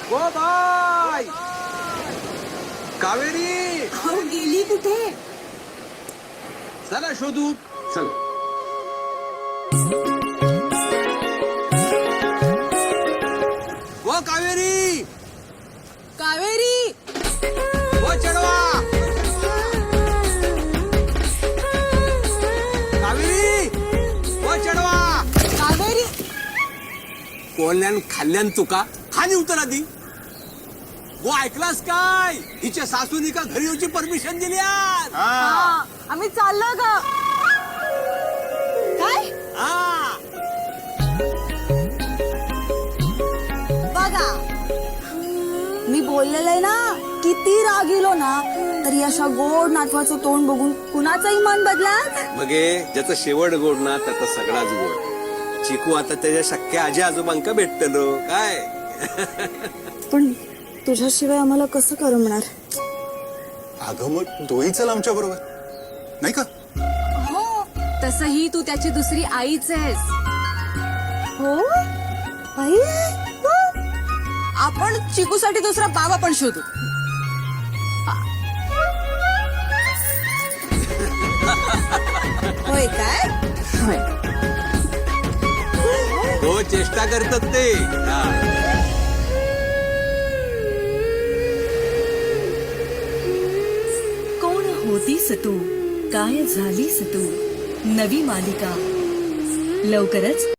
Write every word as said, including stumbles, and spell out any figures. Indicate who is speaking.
Speaker 1: ओ bye Kaveri
Speaker 2: अहो, गेली कुठे?
Speaker 1: चला शोधू चल. ओ कावेरी
Speaker 2: कावेरी
Speaker 1: ओ चढवा कावेरी ओ चढवा.
Speaker 2: कावेरी
Speaker 1: कोल्यान खाल्ल्यान तुका खाली उतर आधी. वो ऐकलास काय हिच्या सासूनी का घरी येऊची परमिशन दिली आज.
Speaker 2: हा, आम्ही चाललो ग. काय
Speaker 1: हा
Speaker 2: बघा, मी बोललेलं आहे ना, किती राग येलो ना तरी अशा गोड नातवाचं तोंड बघून कुणाचाही मन बदला.
Speaker 1: मगे ज्याचा शेवट गोड ना त्याचा सगळाच गोड. चिकू आता त्याच्या शक्य आजी आजोबांका भेटतलो काय.
Speaker 2: पण तुझ्याशिवाय आम्हाला कसं करमणार?
Speaker 3: अगं मग तोही चल आमच्या बरोबर नाही का?
Speaker 2: हो, तसही तू त्याची दुसरी आईच आहेस. हो आई, हो. आपण चिकूसाठी दुसरा बाबा पण शोधू. होय काय? होय.
Speaker 1: हो चेष्टा करतात ते. हा.
Speaker 4: कोण होतीस तू, काय झालीस तू, नवी मालिका लवकरच